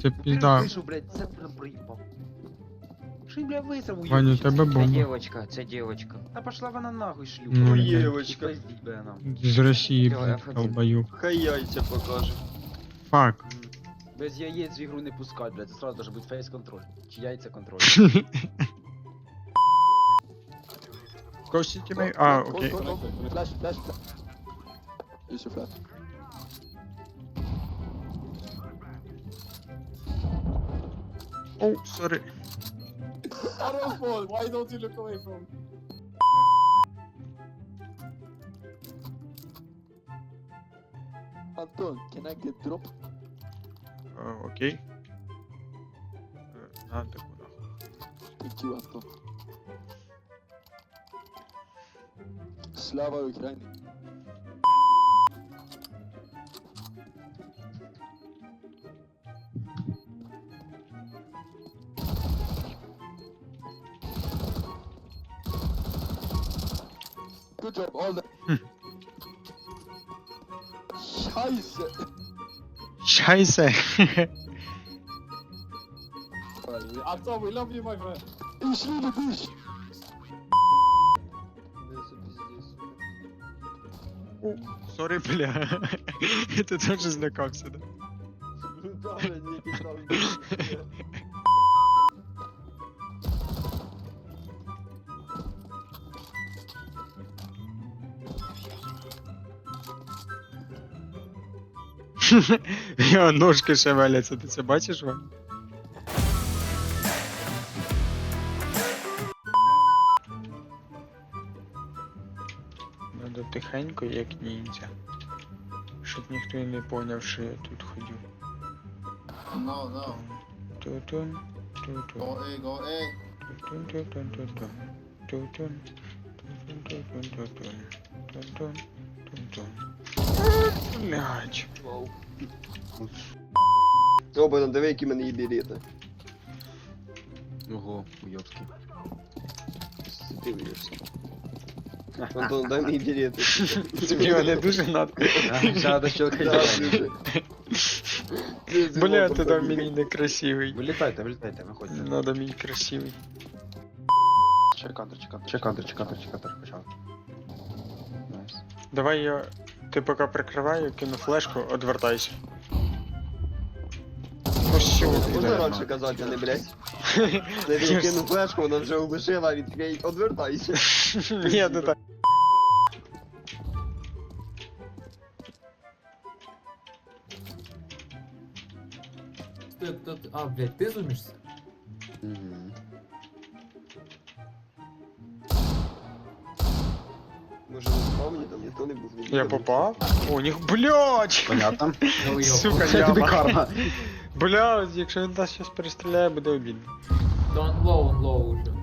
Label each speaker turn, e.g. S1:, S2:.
S1: Це пізда.
S2: Вийшов, блядь, це прям проїбав. Що він, блядь, висрав у
S1: Ваня, у тебе
S3: Це
S1: бомба.
S3: дівочка, це дівочка.
S2: Та пошла вона нахуй шлюха.
S1: Ну,
S2: блядь.
S4: Євочка.
S2: Пиздіть би нам.
S1: З Росії,
S3: Всё,
S1: блядь,
S3: F1.
S1: долбою.
S4: Хай яйця покаже.
S1: Фак.
S2: Без яєць в ігру не пускать, блядь, це сразу должен бути фейс-контроль. Чи яйця контроль.
S1: Кості тебе? А, окей.
S5: Flash, flash, flash. Use your flash.
S1: Оу, сорі.
S5: Arrow ball, why don't you look away from? Anton, can I get drop?
S1: Окей. На таку нахуй.
S5: Thank you, Anton. Slava Ukraini. Good job, all the... Scheiße!
S1: Шайсе.
S5: Anton, we love you, my friend. Ich liebe dich!
S1: Сорі, бля. Ти теж злякався, да? Його ножки шевеляться, ти це бачиш, Вань? Надо тихенько, як ніндзя. Щоб ніхто і не поняв, що я тут ходю.
S5: No, no.
S1: Ту-тун, ту-тун,
S5: Go A, go A.
S1: ту-тун, ту-тун, ту-тун, ту-тун, ту-тун, ту-тун, ту-тун, ту-тун, ту-тун. Блядь.
S4: О, Богдан, диви, які в мене є білети.
S2: Ого, уйобський.
S4: Ти виявишся. Антон, дай мені білети.
S1: Тобі мене дуже надо.
S2: Ще до щелкання.
S4: Да, дуже.
S1: Бля, ти там мені некрасивий.
S2: Вилітайте, вилітайте, виходьте.
S1: Надо мій красивий.
S2: Чекантер, чекантер, почав. Найс.
S1: Давай я... Ти поки прикриваю, кину флешку, одвертайся. Ну що,
S4: Можна раніше казати, а не блядь. Це він кинув флешку, вона вже улишила, він такий, одвертайся.
S1: Ні, не так.
S6: А, блядь, ты зумишься?
S4: Може не спавні, там ніхто не був.
S1: Я попав? О, них, блядь!
S2: Понятно.
S1: Сука,
S2: Це тобі
S1: яма.
S2: карма.
S1: Блядь, якщо він нас зараз перестріляє, буде обідно.
S6: Да он low уже.